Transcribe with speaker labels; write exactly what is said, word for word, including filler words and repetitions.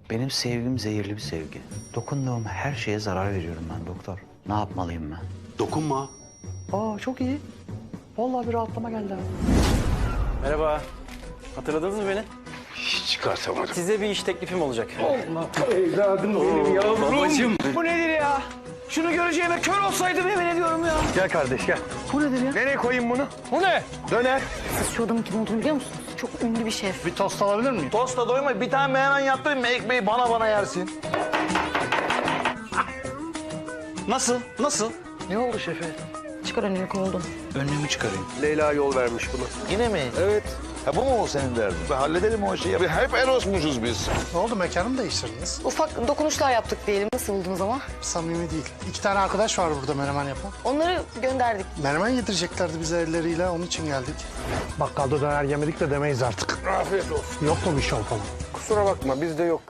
Speaker 1: Benim sevgim zehirli bir sevgi. Dokunduğum her şeye zarar veriyorum ben doktor. Ne yapmalıyım ben?
Speaker 2: Dokunma.
Speaker 1: Aa çok iyi. Vallahi bir rahatlama geldi ha.
Speaker 3: Merhaba. Hatırladınız mı beni?
Speaker 2: Hiç çıkartamadım.
Speaker 3: Size bir iş teklifim olacak.
Speaker 2: Babacığım.
Speaker 1: Bu nedir ya? Şunu göreceğime kör olsaydım yemin ediyorum ya.
Speaker 2: Gel kardeş gel.
Speaker 1: Bu nedir ya?
Speaker 2: Nereye koyayım bunu? Bu ne? Döner.
Speaker 4: Siz şu adamın kim olduğunu biliyor musunuz? Çok ünlü bir şef.
Speaker 2: Bir tost alabilir miyim?
Speaker 5: Tosta doyma. Bir tane menemen yaptırayım mı? Ekmeği bana bana yersin.
Speaker 2: Nasıl? Nasıl?
Speaker 5: Ne oldu şefe?
Speaker 4: Çıkar önünü kovuldum.
Speaker 1: Önlüğümü çıkarayım.
Speaker 2: Leyla yol vermiş bunu.
Speaker 5: Yine mi? Evet. Ha bu mu senin derdin? Ben halledelim o işi. Ya, hep Eros'muşuz biz.
Speaker 6: Ne oldu, mekanı mı değiştirdiniz?
Speaker 4: Ufak dokunuşlar yaptık diyelim. Nasıl buldunuz ama?
Speaker 6: Samimi değil. İki tane arkadaş var burada menemen yapan.
Speaker 4: Onları gönderdik.
Speaker 6: Menemen yedireceklerdi bize elleriyle, onun için geldik. Bakkalda döner yemedik de demeyiz artık.
Speaker 2: Afiyet olsun.
Speaker 6: Yok mu bir şov falan?
Speaker 2: Kusura bakma bizde yok.